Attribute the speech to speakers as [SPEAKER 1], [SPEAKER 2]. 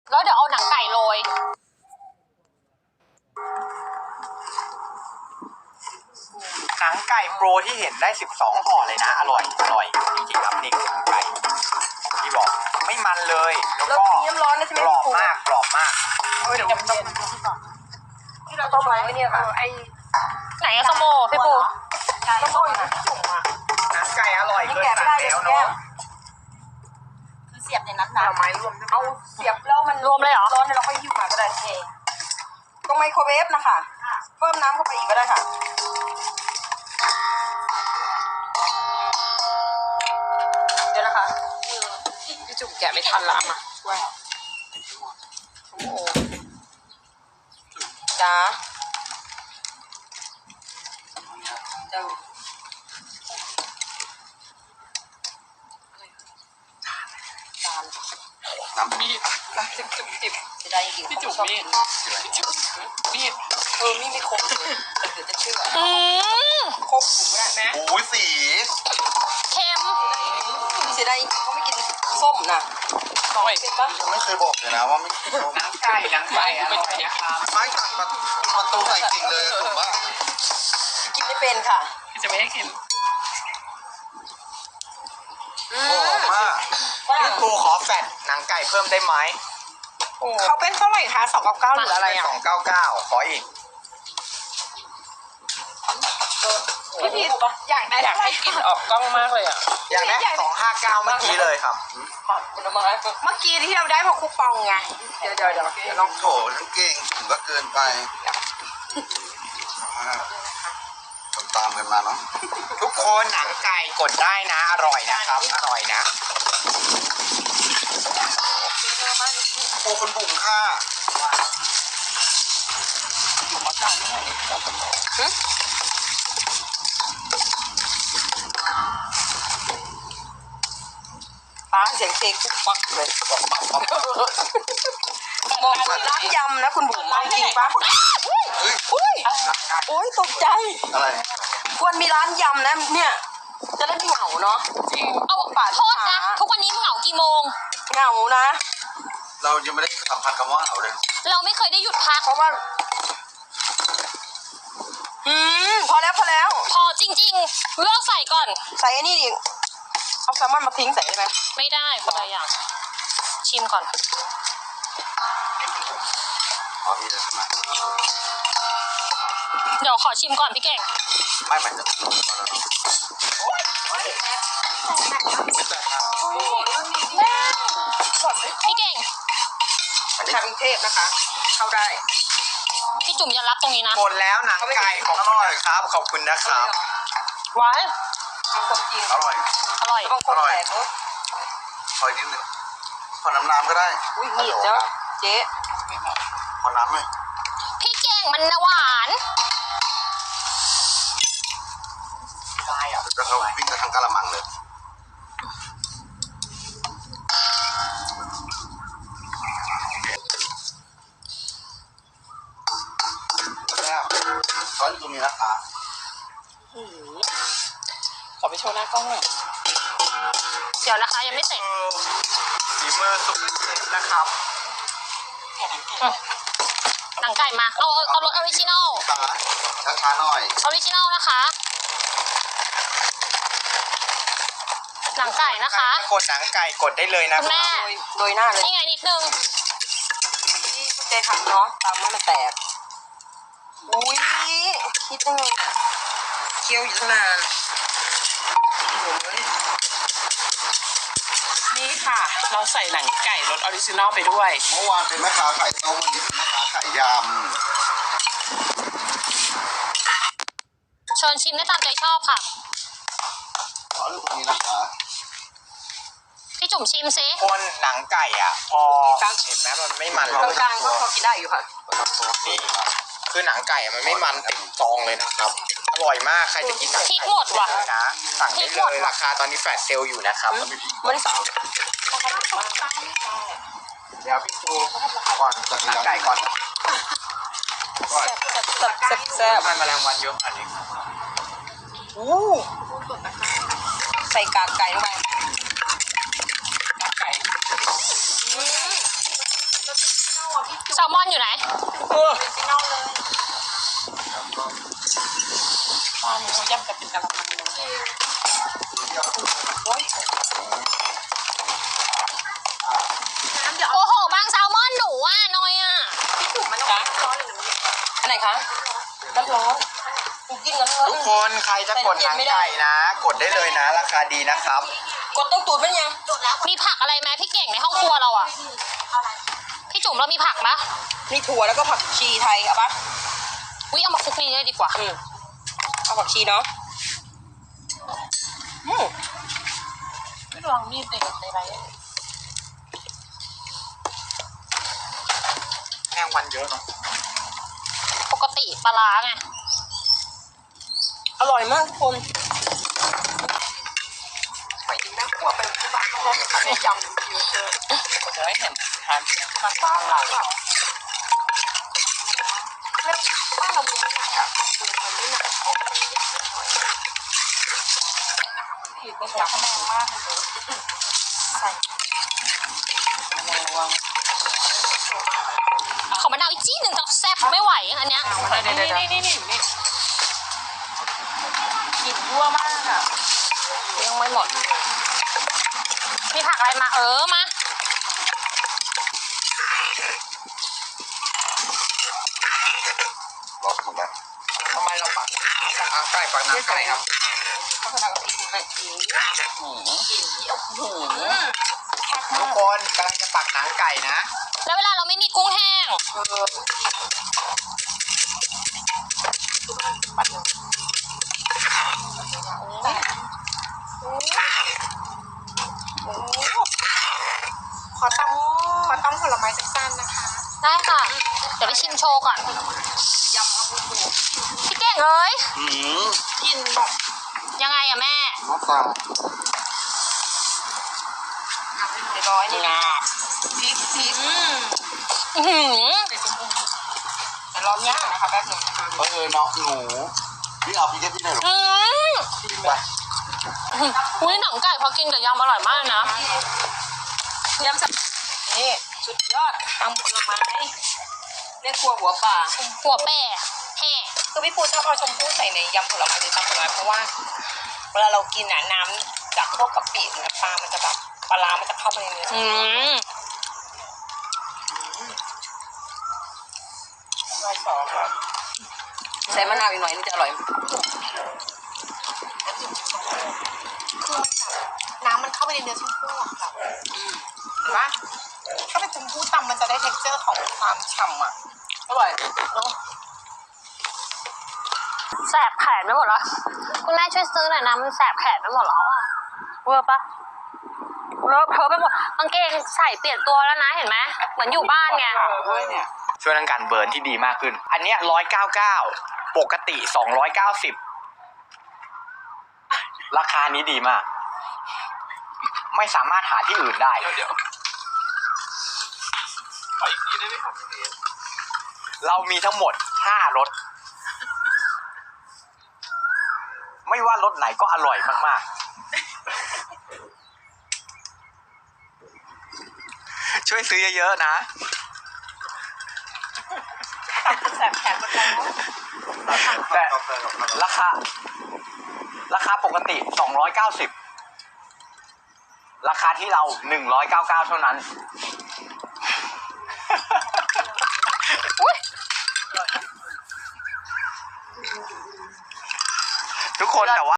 [SPEAKER 1] แล้วเดี๋ยวเอาหนังไก่โรย
[SPEAKER 2] หนังไก่โปรที่เห็นได้12ห่อเลยนะอร่อยอร่อยจริงๆครับนี่หนังไก่ที่บอกไม่มันเลยแล้วก็
[SPEAKER 3] น้ำร้อนนะใช่ไหม
[SPEAKER 2] กรอบมากกรอบมากเดี๋ยวต้อง
[SPEAKER 3] ที่เราต้มไว้เนี่ยค่ะไอ้
[SPEAKER 1] ไหนอะสโมพี่ปู
[SPEAKER 3] ต้มโม่อยู่ที่จุ่มอ่ะ
[SPEAKER 2] หนังไก่อร่อยเลย
[SPEAKER 3] แกะไม่ได้เลย
[SPEAKER 2] แล้ว
[SPEAKER 3] แก้
[SPEAKER 2] เนาะ
[SPEAKER 3] วคือเสียบในนั้นนะไม้รวมเอาเสียบแล้วมัน
[SPEAKER 1] รวมเลยเหรอ
[SPEAKER 3] ร้อนเราค่อยหิ้วมาก็ได้เองตรงไมโครเวฟนะคะเพิ่มน้ำเข้าไปอีกก็ได้ค่ะเดี๋ยวนะคะพี่จุ่มแกะไม่ทันละมาช่วยโอ้โหจ้าจ้า
[SPEAKER 4] น้ำมีด
[SPEAKER 3] จิบจะได้จริงพี่จุ๋มมีดมีดมีดไม่ครบเลยเดี๋ยวจะเชื่อ
[SPEAKER 1] อืม
[SPEAKER 3] ครบถูกไหมแม่
[SPEAKER 4] โอ้ยสี
[SPEAKER 1] เค็ม
[SPEAKER 3] เสียดายจริงเขาไม่กินส้มนะเป็นปะ
[SPEAKER 4] ยังไม่เคยบอกเลยนะว่าไม่กินส้ม
[SPEAKER 2] หนังไก่อร่อยนะครับ
[SPEAKER 4] ไม้ตัดมาตูใส่จริงเลยถูกปะ
[SPEAKER 3] กินไม่เป็นค่ะ
[SPEAKER 2] จะไม่ให้กิน
[SPEAKER 4] หอมมาก
[SPEAKER 2] พี่ปูขอแฟตหนังไก่เพิ่มได้ไหม
[SPEAKER 3] เขาเป็นเท่าไหร่คะ299หรืออะไรอ่ะ
[SPEAKER 2] 299ขออีก
[SPEAKER 3] พี่พีอยากได้ให้กินออกกล้องมากเลยอ่ะ
[SPEAKER 2] อยากได้259เมื่อกี้เลยครับ
[SPEAKER 3] เมื่อกี้ที่เราได้เพราะคูปองไงเดี๋ยวลอง
[SPEAKER 4] โถทั้งเก่งถึงก็เกินไปตามกันมาเนาะ
[SPEAKER 2] ทุกคนหนังไก่กดได้นะอร่อยนะครับอร่อยนะ
[SPEAKER 4] โอ้คนบุ๋มค่ะ
[SPEAKER 3] ป้าเสียงเพลงคุกปักเลยบอกเหมือนร้านยำนะคุณบุ๋มเอาจริงปะอุ้ยโอ้ยตกใจ
[SPEAKER 4] อะไร
[SPEAKER 3] ควรมีร้านยำนะเนี่ยจะได้ไม่เหงาเนาะ
[SPEAKER 1] เอาโทษนะ ทุกวันนี้มึงเหงากี่โมง
[SPEAKER 3] เหงานะ
[SPEAKER 4] เรายังไม่ได้สัมผัสคำว่าเอาเลย
[SPEAKER 1] เราไม่เคยได้หยุดพัก
[SPEAKER 3] เพราะว่าพอแล้ว
[SPEAKER 1] พอจริงๆเลือกใส่ก่อน
[SPEAKER 3] ใส่ไอ้นี่ดิเอาแซลมอนมาทิ้งใส่ได้ไหม
[SPEAKER 1] ไม่ได้คนละอย่าง ชิมก่อน
[SPEAKER 4] อ๋อมีเลยใช่ไหม
[SPEAKER 1] เดี๋ยวขอชิมก่อนพี่เก่ง
[SPEAKER 4] ไม่มันจะถูกแล้ว
[SPEAKER 1] พี่เก่ง
[SPEAKER 3] ชาวกรุงเทพนะคะ เข้าได้
[SPEAKER 1] พี่จุ๋มอย่ารับตรงนี้นะ
[SPEAKER 2] หมดแล้วหนังไก่ขอบคุณนะครับขอบคุณนะครับ
[SPEAKER 1] หวาน
[SPEAKER 3] เอาคนจีน
[SPEAKER 4] อร่อย
[SPEAKER 1] อร่อย
[SPEAKER 3] บางคนแตกเลย
[SPEAKER 4] ขออีกนิดนึงขอน้ำก็ได้
[SPEAKER 3] อุ้ยมีดเจ้าเจ๊
[SPEAKER 4] ขอน้ำไหม
[SPEAKER 1] พี่เก่งมันหวาน
[SPEAKER 2] ได้อ่ะ
[SPEAKER 4] จะเขาวิ่งไปทางกะละมังเลยแล้วเขาอยู่ตรงนี้นะคะ
[SPEAKER 3] ขอไปโชว์หน้ากล้องหน่อย
[SPEAKER 1] เดี๋ยวนะคะยังไม่เสร็จ
[SPEAKER 2] ฝีมือสุดนะครับ
[SPEAKER 1] หนังไก่มา เอารสออริจินอล
[SPEAKER 4] ช้าๆหน่อย
[SPEAKER 1] ออริจินอลนะคะ หนังไก่นะคะ
[SPEAKER 2] กดหนังไก่กดได้เลยนะ
[SPEAKER 1] คุณแม่
[SPEAKER 3] โดยหน้าเลย
[SPEAKER 1] นี่ไงนิดนึง
[SPEAKER 3] ที่เจ๊ทำเนาะตามให้มันแตกอุ้ยคิดยังไงอะเคี้ยวอยู่ตั้งนานโอ้ย
[SPEAKER 5] นี่ค่ะ เราใส่หนังไก่รสออริจินอลไปด้วย
[SPEAKER 4] เมื่อวานเป็นแม่ค้าขายต้มวันนี้เป็นแม่ค้าขายย
[SPEAKER 1] เชิญชิมได้ตามใจชอบค่ะ
[SPEAKER 4] ำขอเรื่องตรงนี้นะคะ
[SPEAKER 1] พี่จุ๋มชิมซิ
[SPEAKER 2] คนหนังไก่อ่ะพอเห็นไหมมันไม่มัน
[SPEAKER 3] ตรงกลางก็พอกินได้อยู่ค่ะ
[SPEAKER 2] นี่คือหนังไก่อะมันไม่มันติดซองเลยนะครับ อร่อยมากใครจะกินหนัง
[SPEAKER 1] พริกหมดว่ะ
[SPEAKER 2] นะสั่งได้เลยราคาตอนนี้แฟลชเซลล์อยู่นะครับ
[SPEAKER 3] มันสาว
[SPEAKER 2] เดี๋ยวพี่ปูก่อนจัดหนังไก่ก่อน
[SPEAKER 3] แซ่บ
[SPEAKER 2] มันแมลงวันเยอะอันนี้
[SPEAKER 3] อู้ใส่กากไก่ลงไป
[SPEAKER 5] ไก่
[SPEAKER 3] อืม
[SPEAKER 1] แซลมอนอยู่ไหน
[SPEAKER 3] เออ
[SPEAKER 5] ตอนนี้เขาย่ำกันเป็นกะละมังเลย
[SPEAKER 3] โอ้ย
[SPEAKER 1] โอ้โห บางแซลมอนหนูอ่ะน้อยอ่ะ
[SPEAKER 5] จ้ะ
[SPEAKER 3] อันไหนคะน้ำร้อนกูกินน้ำร้อน
[SPEAKER 2] ทุกคนใครจะกดหนังไก่นะ กดได้เลยนะ ราคาดีนะครับ
[SPEAKER 3] กดต้มตูดเป็นยัง
[SPEAKER 1] มีผักอะไรไหมพี่เก่งในห้องครัวเราอ่ะ พี่จุ๋มเรามีผักปะ
[SPEAKER 3] มีถั่วแล้วก็ผักชีไทยเอาปะ
[SPEAKER 1] อุ้ยเอามาคลุกนี่เลยดีกว่า
[SPEAKER 3] เอาผักชีเนาะอืม
[SPEAKER 5] ไม่ลองมีดเด็กในไร
[SPEAKER 2] แมงวันเยอะเนาะ
[SPEAKER 1] ปกติปลาร้าไง
[SPEAKER 3] อร่อยมากทุกคนไปกินแม่ครัวไปที่บ้านเขาไม่ยำเยอะเลย
[SPEAKER 5] จะไม่เห็นทานมาบ้านเรา
[SPEAKER 3] บ้านเรามีไม่หนักอ่ะมันไม่หนัก
[SPEAKER 5] ผิดเป็นจับแรงมากเลย
[SPEAKER 3] ใส่
[SPEAKER 5] ระวัง
[SPEAKER 1] ขอมะนาวอีกจี้หนึ่งจะแซ่บไม่ไหวอันเนี้ย
[SPEAKER 5] นี่กลิ่นยั่วมากอ่ะ
[SPEAKER 1] ยังไม่หมด มีผักอะไรมามา
[SPEAKER 4] บอกถูกไหม
[SPEAKER 2] ทำไมเราปักหนังไก่ปักหนังไก่ครับ
[SPEAKER 3] เขาขนาดกับพริกให้กิน
[SPEAKER 2] ทุกคนกำลังจะปักหนังไก่นะ
[SPEAKER 1] แล้วเวลาเราไม่มีกุ้งแห้ง
[SPEAKER 3] ขอตั้งผลไม้สั้นๆนะคะ
[SPEAKER 1] ได้ค่ะ เดี๋ยวไปชิมโชว์ก่อน
[SPEAKER 3] ยำมะพร้าว
[SPEAKER 1] พี่เก่งเอ้ย
[SPEAKER 3] กินแบบ
[SPEAKER 1] ยังไงอะแม่
[SPEAKER 4] น้ำตาล
[SPEAKER 3] ร้อยนี่
[SPEAKER 5] งา
[SPEAKER 3] พริก
[SPEAKER 1] อื้อหือ
[SPEAKER 3] แต่ร้อนยากนะคะแป๊บนึงนะคะ
[SPEAKER 4] เนาะหนูพี่เอาพี่แค่ที่ไหนหรอ
[SPEAKER 1] อืม
[SPEAKER 4] พี่ไป
[SPEAKER 1] อุ้ยหนังไก่พอกินกับยำอร่อยมากเลยนะ
[SPEAKER 3] ยำสับนี่สุดยอดตำผลไม้เรียกครัวหัวป่า
[SPEAKER 1] หัวแป่แห่
[SPEAKER 3] คือพี่ปูชอบเอาชมพู่ใส่ในยำผลไม้หรือตำผลไม้เพราะว่าเวลาเรากินน่ะน้ำจากพวกกะปิหรือน้ำปลามันจะแบบปลาร้ามันจะเข้าไปในเนื้อ
[SPEAKER 1] อืม
[SPEAKER 3] ใส่มะนาวอีกหน่อยนี่จะอร่อย
[SPEAKER 6] น้ำมันเข้าไปในเนื้อชมพู่อะค่ะเห็นปะถ้าเป็นชมพู่ตำมันจะได้ texture ของความฉ่ำอ่ะ
[SPEAKER 3] อร่อย
[SPEAKER 6] เนาะ
[SPEAKER 1] แสบแขนไปหมดแล้ว คุณแม่ช่วยซื้อหน่อยนะมันแสบแขนไปหมดแล้วอะเวอร์ปะเลอะเทอะไปหมดกางเกงใส่เปลี่ยนตัวแล้วนะเห็นไหมเหมือนอยู่บ้านไง
[SPEAKER 5] ด้วยเนี่ย
[SPEAKER 2] ช่วยเรื่องการเบิร์นที่ดีมากขึ้น อันเนี้ย199 ปกติ 290 ราคานี้ดีมาก ไม่สามารถหาที่อื่นได้
[SPEAKER 4] เดี๋ยวขออีกทีได้ไหมครับพี่
[SPEAKER 2] เรามีทั้งหมด5รส ไม่ว่ารสไหนก็อร่อยมากๆ ช่วยซื้อเยอะๆนะ
[SPEAKER 6] แสบแขนหมดแล้ว
[SPEAKER 2] แต่ราคาปกติ 290 ราคาที่เรา 199 เท่านั้น ทุกคนแต่ว่า